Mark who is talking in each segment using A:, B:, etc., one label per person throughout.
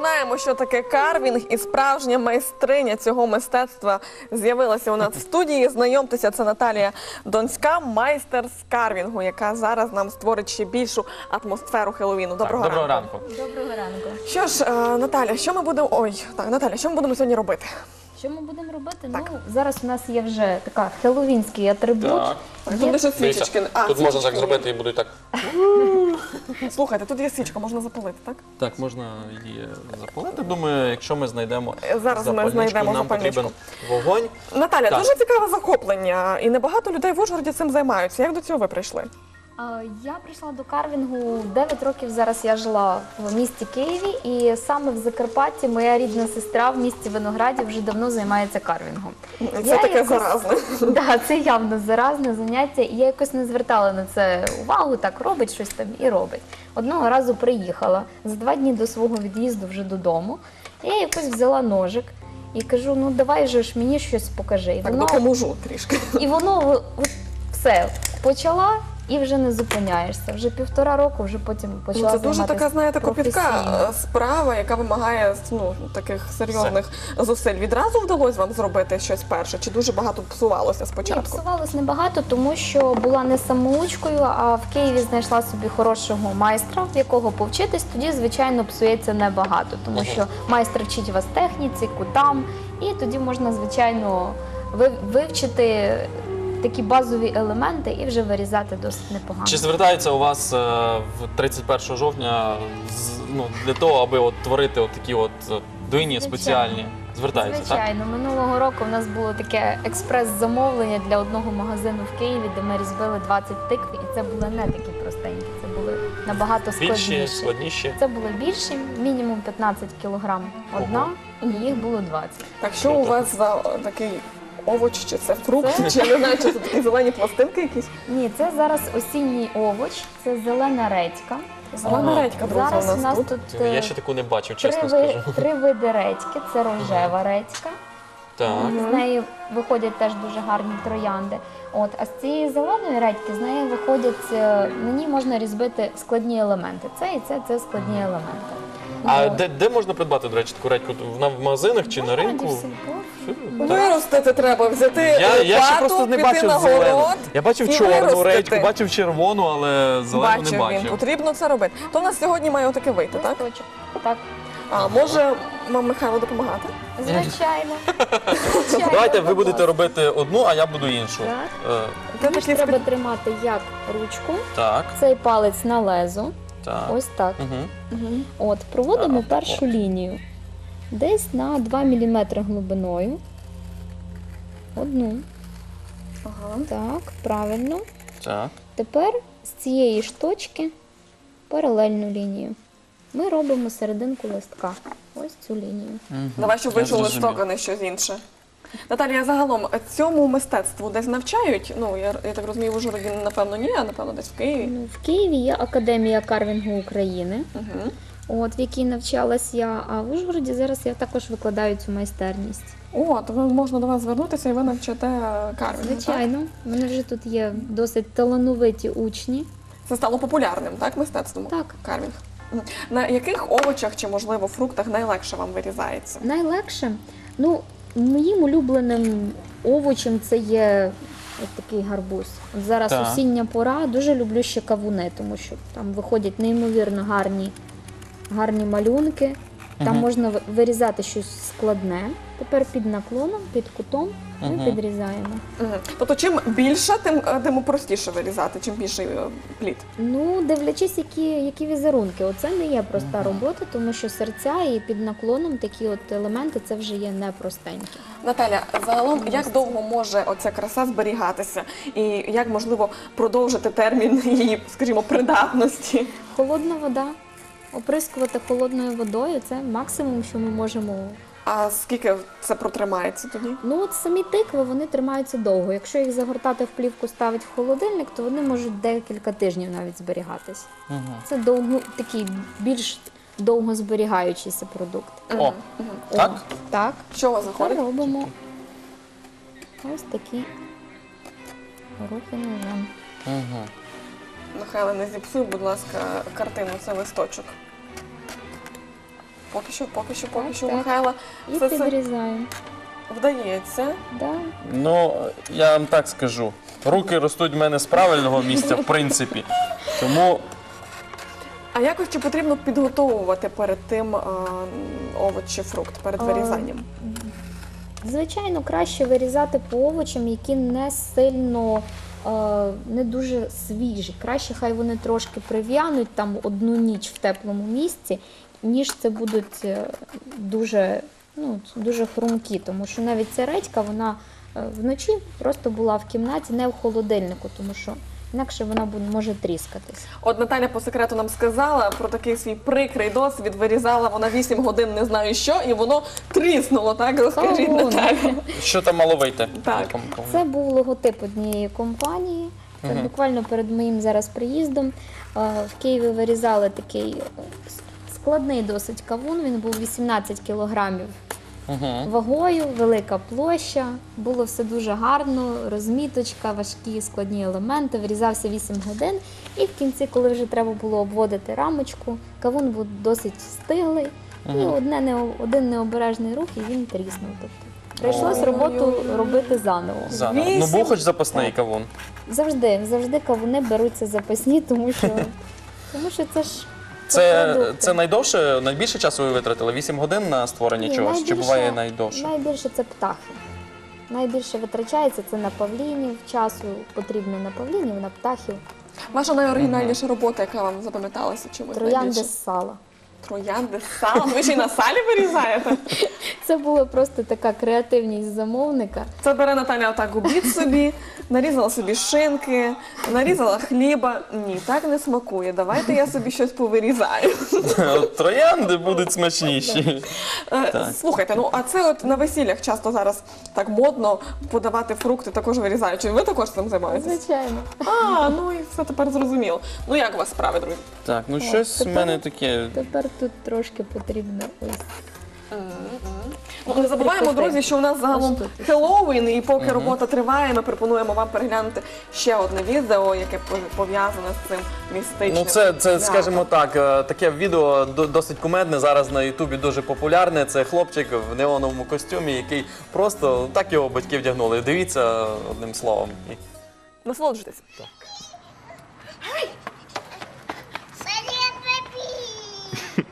A: знаємо, що таке карвінг, і справжня майстриня цього мистецтва з'явилася у нас в студії. Знайомтеся, це Наталія Донська, майстер з карвінгу, яка зараз нам створить ще більшу атмосферу Хеллоуіну. Доброго ранку.
B: Доброго ранку.
A: Що ж, Наталя, що ми будемо... Наталя, що ми будемо сьогодні робити?
B: Що ми будемо робити? Ну, зараз у нас є вже така хеллоуінський атрибут.
C: Так.
A: Тут лише свічечки.
C: Тут можна так зробити і будуть так.
A: Слухайте, тут є свічка, можна запалити, так?
C: Так, можна її запалити. Думаю, якщо ми знайдемо
A: Зараз ми
C: запальничку,
A: знайдемо
C: нам
A: запальничку.
C: потрібен вогонь.
A: Наталя,
C: Так.
A: дуже цікаве захоплення, і небагато людей в Ужгороді цим займаються. Як до цього ви прийшли?
B: Я прийшла до карвінгу 9 років. Зараз я жила в місті Києві, і саме в Закарпатті моя рідна сестра в місті Виноградів вже давно займається карвінгом.
A: Це таке заразне.
B: Так, це явно заразне заняття, і я якось не звертала на це увагу, так робить щось там і робить. Одного разу приїхала за 2 дні до свого від'їзду вже додому, я якось взяла ножик і кажу, ну давай же ж мені щось покажи. І
A: Так, допоможу трішки.
B: І воно от, все почала і вже не зупиняєшся. Вже 1,5 року, вже потім почала
A: Це дуже
B: займатися
A: така, знаєте, кропітка
B: професійно.
A: справа, яка вимагає таких серйозних зусиль. Відразу вдалося вам зробити щось перше? Чи дуже багато псувалося
B: Ні,
A: спочатку?
B: псувалось небагато, тому що була не самоучкою, а в Києві знайшла собі хорошого майстра, в якого повчитись, тоді, звичайно, псується небагато, тому що майстер вчить вас техніці, кутам, і тоді можна, звичайно, вивчити такі базові елементи і вже вирізати досить непогано.
C: Чи звертаються у вас в 31 жовтня для того, аби от творити от такі от дині спеціальні? Звертаються, так?
B: Звичайно. Минулого року у нас було таке експрес-замовлення для одного магазину в Києві, де ми різьбили 20 тикв, і це були не такі простенькі, це були набагато
C: Більші,
B: складніші.
C: складніші.
B: Це були більші, мінімум 15 кілограм одна, і їх було 20.
A: Так, що у вас за такий овоч, чи це фрукт, чи я не знаю, чи це такі зелені пластинки якісь?
B: Ні, це зараз осінній овоч, це зелена редька.
A: Зелена редька, друзі,
B: Зараз у нас
A: тут.
B: тут
C: Я ще таку не бачив, чесно скажу.
B: 3 види редьки, це рожева редька.
C: Так.
B: З неї виходять теж дуже гарні троянди. От, а з цієї зеленої редьки з неї виходять, на ній можна різьбити складні елементи. Це і це складні елементи.
C: А
B: От.
C: де можна придбати, до речі, таку редьку? В магазинах чи на ринку?
A: Виростити треба, взяти
C: Я ще просто не
A: піти
C: бачив
A: на
C: зелену.
A: город
C: Я бачив
A: і
C: чорну
A: виростити.
C: редьку, бачив червону, але зелену не
A: Він,
C: бачив.
A: потрібно це робити. То в нас сьогодні має отаке вийти, так?
B: Листочок. Так,
A: А може вам Михайло допомагати?
B: звичайно.
C: Давайте ви будете робити одну, а я буду іншу.
B: Так.
C: Е,
B: Мені ж треба тримати як ручку,
C: Так,
B: цей палець на лезо,
C: так.
B: ось так.
C: Угу.
B: От, проводимо
C: Так,
B: першу лінію. Десь на 2 мм глибиною. Одну.
A: Ага.
B: Так, правильно.
C: Так.
B: Тепер з цієї ж точки паралельну лінію. Ми робимо серединку листка. Ось цю лінію.
A: Давай, щоб
C: Я
A: вийшов
C: зрозумів.
A: листок, а не щось інше. Наталія, загалом цьому мистецтву десь навчають? Ну, я так розумію, в Ужгороді, напевно, ні, а напевно десь в Києві.
B: Ну, в Києві є Академія карвінгу України,
A: Угу.
B: от, в якій навчалась я, а в Ужгороді зараз я також викладаю цю майстерність.
A: О, то можна до вас звернутися і ви навчите карвінгу, так?
B: Звичайно, в мене вже тут є досить талановиті учні.
A: Це стало популярним, так, мистецтвом?
B: Так.
A: Карвінг. Мгм. На яких овочах чи, можливо, фруктах найлегше вам вирізається?
B: Найлегше, ну, моїм улюбленим овочем це є ось такий гарбуз. От зараз
C: Так.
B: осіння пора, дуже люблю ще кавуни, тому що там виходять неймовірно гарні малюнки. Там
C: Мгм.
B: можна вирізати щось складне. Тепер під наклоном, під кутом ми
C: Мгм.
B: підрізаємо.
A: Мгм. Тобто, чим більше, тим простіше вирізати, чим більший плід.
B: Ну, дивлячись, які візерунки. Оце не є проста робота, тому що серця і під наклоном такі от елементи це вже є непростенькі.
A: Наталя, загалом, як довго може оця краса зберігатися? І як, можливо, продовжити термін її, скажімо, придатності?
B: Холодна вода. Оприскувати холодною водою це максимум, що ми можемо.
A: А скільки це протримається тоді?
B: Ну от самі тикви вони тримаються довго. Якщо їх загортати в плівку, ставити в холодильник, то вони можуть декілька тижнів навіть зберігатись.
C: Угу.
B: Це такий більш довго зберігаючийся продукт.
C: О, так?
B: Так.
A: Що у вас
B: Ми
A: виходить?
B: робимо ось такі горохи ножем.
C: Угу.
A: Михайло, не зіпсуй, будь ласка, картину, це листочок. Поки що,
B: Так.
A: Михайла,
B: І
A: це
B: підрізаємо.
A: вдається.
B: Да.
C: Ну, я вам так скажу. Руки ростуть в мене з правильного місця, в принципі. Тому
A: А якось чи потрібно підготовувати перед тим овоч чи фрукт, перед вирізанням?
B: Звичайно, краще вирізати по овочам, які не сильно, не дуже свіжі. Краще хай вони трошки прив'януть там одну ніч в теплому місці, ніж це будуть дуже, дуже хрумкі. Тому що навіть ця редька, вона вночі просто була в кімнаті, не в холодильнику, тому що інакше вона може тріскатись.
A: От Наталя по секрету нам сказала про такий свій прикрий досвід. Вирізала вона 8 годин не знаю що, і воно тріснуло, так? Розкажіть,
B: Кавун.
A: Наталя.
C: що там мало вийти?
A: Так.
B: Це був логотип однієї компанії. Це буквально перед моїм зараз приїздом. В Києві вирізали такий складний досить кавун. Він був 18 кілограмів вагою, велика площа. Було все дуже гарно, розміточка, важкі складні елементи. Вирізався 8 годин. І в кінці, коли вже треба було обводити рамочку, кавун був досить стиглий. І один необережний рух, і він тріснув. Тобто прийшлось роботу робити заново.
C: Заново. Ну,
A: 8.
C: був хоч запасний кавун.
B: Завжди кавуни беруться запасні, тому що це ж продукти.
C: Це найбільше часу ви витратили? 8 годин на створення
B: Ні,
C: чогось? Чи буває найдовше?
B: Найбільше це птахи. Найбільше витрачається це на павлінів, часу потрібно на павлінів, на птахів.
A: Ваша найоригінальніша робота, яка вам запам'яталася чимось
B: Троянди
A: найбільше?
B: з сала.
A: Троянди з салом? Ви ще й на салі вирізаєте?
B: Це була просто така креативність замовника.
A: Це бере Наталя отак обід собі, нарізала собі шинки, нарізала хліба. Ні, так не смакує. Давайте я собі щось повирізаю.
C: Троянди будуть смачніші.
A: Слухайте, ну а це от на весіллях часто зараз так модно подавати фрукти, також вирізаючи. Ви також цим займаєтесь?
B: Звичайно.
A: Ну і все тепер зрозуміло. Ну як у вас справи, друзі?
C: Так, ну щось в
B: тепер-
C: мене таке.
B: Тепер тут трошки потрібно ось.
A: Ну, не забуваємо, друзі, що у нас загалом
B: Ось тут.
A: Хеллоуін, і поки робота триває, ми пропонуємо вам переглянути ще одне відео, яке пов'язане з цим містичним.
C: Ну, це
A: святом.
C: скажімо так, таке відео досить кумедне, зараз на Ютубі дуже популярне. Це хлопчик в неоновому костюмі, який просто так його батьки вдягнули. Дивіться одним словом.
A: Насолоджуйтесь.
D: Привет, папи!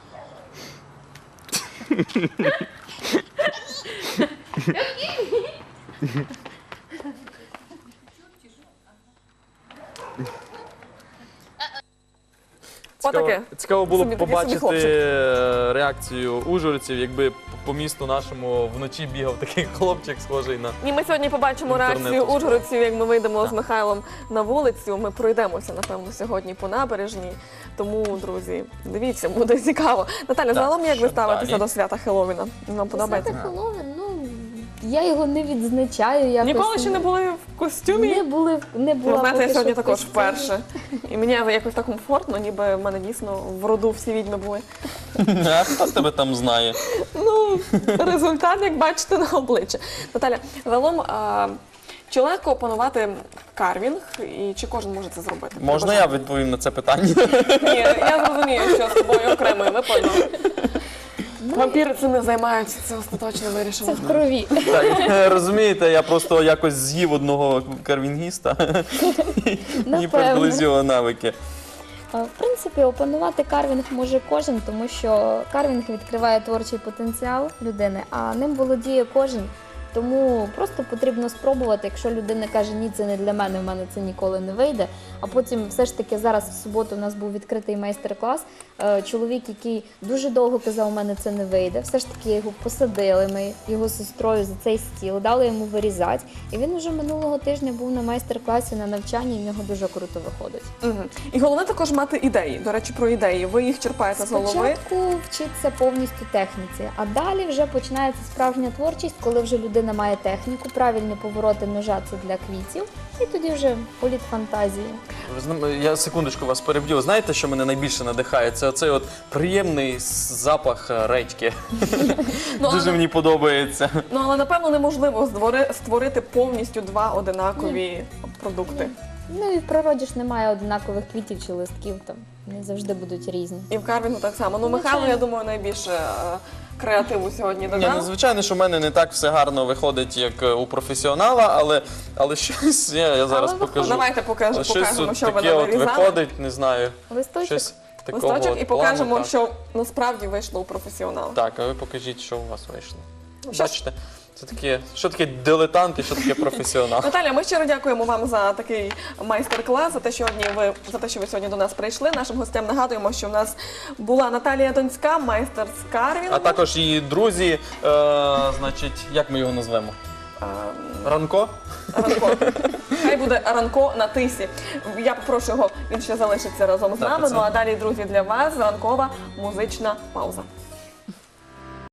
A: Отаке.
C: Цікаво було
A: Собі
C: б
A: такий собі
C: побачити
A: хлопчик.
C: реакцію ужгородців, якби по місту нашому вночі бігав такий хлопчик, схожий на.
A: І ми сьогодні побачимо
C: Інтернету
A: реакцію
C: скоро.
A: ужгородців, як ми вийдемо з Михайлом на вулицю. Ми пройдемося, напевно, сьогодні по набережній. Тому, друзі, дивіться, буде цікаво. Наталя, загалом як ви
C: що
A: ставитеся
C: далі?
A: до свята Хеллоуіна? Вам подобається?
B: Свято Хеллоуін, я його не відзначаю. Якось
A: Ніколи ще не були в костюмі?
B: Не була
A: Ну, знаєте,
B: поки
A: я сьогодні
B: що в
A: також
B: костюмі.
A: вперше. І мені якось так комфортно, ніби в мене дійсно в роду всі відьми були.
C: А хто тебе там знає?
A: Ну, результат, як бачите, на обличчя. Наталя, загалом, чи легко опанувати карвінг, і чи кожен може це зробити?
C: Можна я відповім на це питання?
A: Ні, я зрозумію, що з тобою окремою випадно. Вампіри цим не займаються, це остаточно
B: Це
A: вирішено.
B: в крові.
C: Так, розумієте, я просто якось з'їв одного карвінгіста і
B: Напевно.
C: приблизь його навики.
B: В принципі, опанувати карвінг може кожен, тому що карвінг відкриває творчий потенціал людини, а ним володіє кожен. Тому просто потрібно спробувати, якщо людина каже, ні, це не для мене, в мене це ніколи не вийде. А потім все ж таки зараз в суботу у нас був відкритий майстер-клас. Чоловік, який дуже довго казав, у мене це не вийде. Все ж таки його посадили, ми його з сестрою за цей стіл, дали йому вирізати. І він уже минулого тижня був на майстер-класі, на навчанні, і в нього дуже круто виходить.
A: Мгм. І головне також мати ідеї. До речі, про ідеї. Ви їх черпаєте з голови.
B: Спочатку вчиться повністю техніці, а далі вже починається справжня творчість, коли вже людина має техніку, правильні повороти ножа це для квітів, і тоді вже політ фантазії.
C: Я секундочку вас переб'ю. Знаєте, що мене найбільше надихає? Це оцей от приємний запах редьки. Дуже мені подобається.
A: Ну, але напевно неможливо створити повністю два одинакові продукти.
B: Ну і в природі ж немає однакових квітів чи листків, там вони завжди будуть різні.
A: І в карвінгу так само. Ну, Михайло, я думаю, найбільше креативу сьогодні
C: Ні, ну,
A: додав.
C: звичайно, що в мене не так все гарно виходить, як у професіонала, але щось я зараз
B: Але
C: покажу.
A: Давайте
C: Щось
A: покажемо,
C: от
A: що ви
C: таке от
A: вирізали.
C: виходить, не знаю.
B: Листочок.
C: Щось такого
A: Листочок
C: от
A: і
C: плану,
A: покажемо,
C: так.
A: що насправді вийшло у професіонала.
C: Так, а ви покажіть, що у вас вийшло.
A: Що?
C: Бачите, це таке, що таке дилетант і що таке професіонал.
A: Наталя, ми щиро дякуємо вам за такий майстер-клас, за те, що ви сьогодні до нас прийшли. Нашим гостям нагадуємо, що в нас була Наталія Донська, майстер з карвінгу.
C: А також її друзі, значить, як ми його назвемо? Ранко?
A: Ранко. Хай буде Ранко на тисі. Я попрошу його, він ще залишиться разом з
C: Так,
A: нами.
C: це-
A: Ну а далі, друзі, для вас ранкова музична пауза.